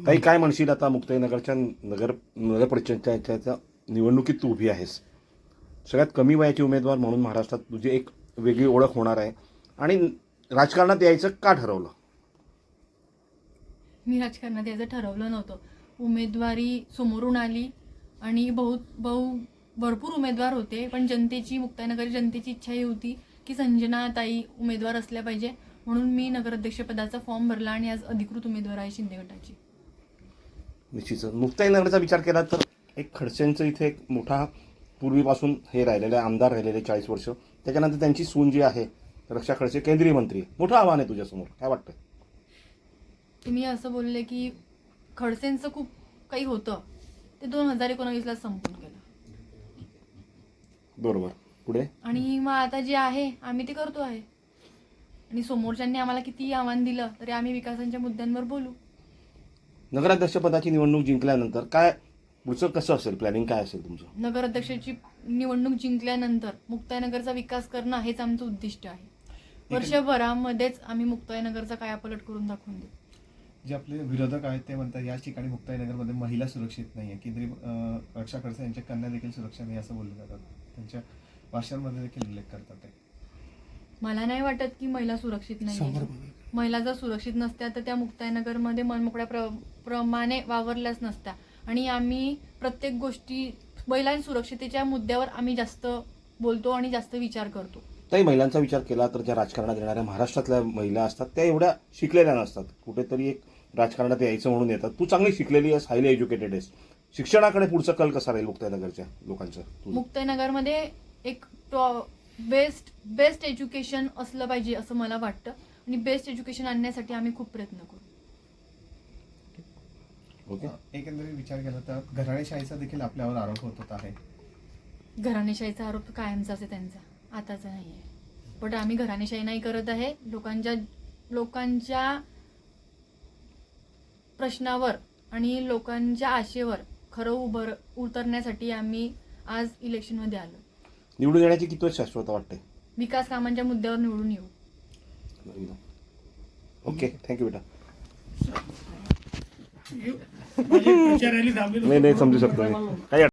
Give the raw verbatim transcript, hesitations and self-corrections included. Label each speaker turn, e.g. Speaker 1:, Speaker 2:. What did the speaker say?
Speaker 1: काही काय म्हणशील आता मुक्ताईनगरच्या नगर नगर परिषदेच्या निवडणुकीत तू उभी आहेस, सगळ्यात कमी वयाची उमेदवार म्हणून महाराष्ट्रात तुझी एक वेगळी ओळख होणार आहे आणि राजकारणात यायचं का ठरवलं?
Speaker 2: मी राजकारणात यायचं ठरवलं नव्हतं. उमेदवारी समोरून आली आणि बहुत बहु भरपूर उमेदवार होते, पण जनतेची मुक्ताईनगर जनतेची इच्छा ही होती की संजना ताई उमेदवार असल्या पाहिजे, म्हणून मी नगराध्यक्षपदाचा फॉर्म भरला आणि आज अधिकृत उमेदवार आहे शिंदे गटाची.
Speaker 1: निश्चितच मुक्ताईनगरचा विचार केला तर एक खडसेंचं इथे एक मोठा पूर्वीपासून हे राहिलेले आमदार राहिलेले चाळीस वर्ष, त्याच्यानंतर त्यांची सून जी आहे रक्षा खडसे केंद्रीय मंत्री, मोठं आव्हान आहे तुझ्यासमोर, काय वाटतं?
Speaker 2: तुम्ही असं बोलले की खडसेंचं खूप काही होतं ते दोन हजार एकोणावीसला संपून गेलं.
Speaker 1: बरोबर, पुढे
Speaker 2: आणि मग आता जे आहे आम्ही ते करतो आहे आणि समोरच्यांनी आम्हाला किती आव्हान दिलं तरी आम्ही विकासाच्या मुद्द्यांवर बोलू.
Speaker 1: नगराध्यक्षपदाची निवडणूक जिंकल्यानंतर काय पुढचं कसं असेल, प्लॅनिंग काय असेल तुमचं?
Speaker 2: नगराध्यक्षाची निवडणूक जिंकल्यानंतर मुक्ताईनगरचा विकास करणं हेच आमचं उद्दिष्ट आहे. वर्षभरामध्येच आम्ही मुक्ताईनगरचा कायापालट करून दाखवून देऊ.
Speaker 3: जे आपले विरोधक आहेत ते म्हणतात या ठिकाणी मुक्ताईनगरमध्ये महिला सुरक्षित नाही आहे, केंद्रीय रक्षा खडसे यांच्या कन्या देखील सुरक्षा नाही असं बोलले जातात, त्यांच्या भाषणांमध्ये देखील उल्लेख करतात ते.
Speaker 2: मला नाही वाटत की महिला सुरक्षित नाही. महिला जर सुरक्षित नसत्या तर त्या मुक्ताईनगरमध्ये मनमोकळ्या प्र प्रमाणे वावरल्याच नसत्या आणि आम्ही प्रत्येक गोष्टी महिला सुरक्षितेच्या मुद्द्यावर आम्ही जास्त बोलतो आणि जास्त विचार करतो.
Speaker 1: ताई, महिलांचा विचार केला तर ज्या राजकारणात येणाऱ्या महाराष्ट्रातल्या महिला असतात त्या एवढ्या शिकलेल्या नसतात, कुठेतरी एक राजकारणात यायचं म्हणून येतात. तू चांगली शिकलेली आहेस, हायली एज्युकेटेड आहेस, शिक्षणाकडे पुढचा कल कसा राहील मुक्ताईनगरच्या लोकांचं?
Speaker 2: मुक्ताईनगरमध्ये एक बेस्ट बेस्ट एज्युकेशन असलं पाहिजे असं मला वाटतं आणि बेस्ट एज्युकेशन आणण्यासाठी आम्ही खूप प्रयत्न करू.
Speaker 1: ओके.
Speaker 3: एकंदरीत विचार केला तर घराणेशाहीचा देखील आपल्यावर आरोप होत होता आहे.
Speaker 2: घराणेशाहीचा आरोप कायमचाच आहे त्यांचा, आताचा नाही आहे. पण आम्ही घराणेशाही नाही करत आहे. लोकांच्या लोकांच्या प्रश्नावर आणि लोकांच्या आशेवर खरं उभं उतरण्यासाठी आम्ही आज इलेक्शनमध्ये आलो.
Speaker 1: निवडून येण्याची किती शाश्वत वाटते?
Speaker 2: विकास कामांच्या मुद्द्यावर निवडून येऊ.
Speaker 1: ओके, थँक्यू बेटा.
Speaker 4: माझी प्रचार रॅली थांबली
Speaker 1: नाही नाही समजू शकतो मी. काही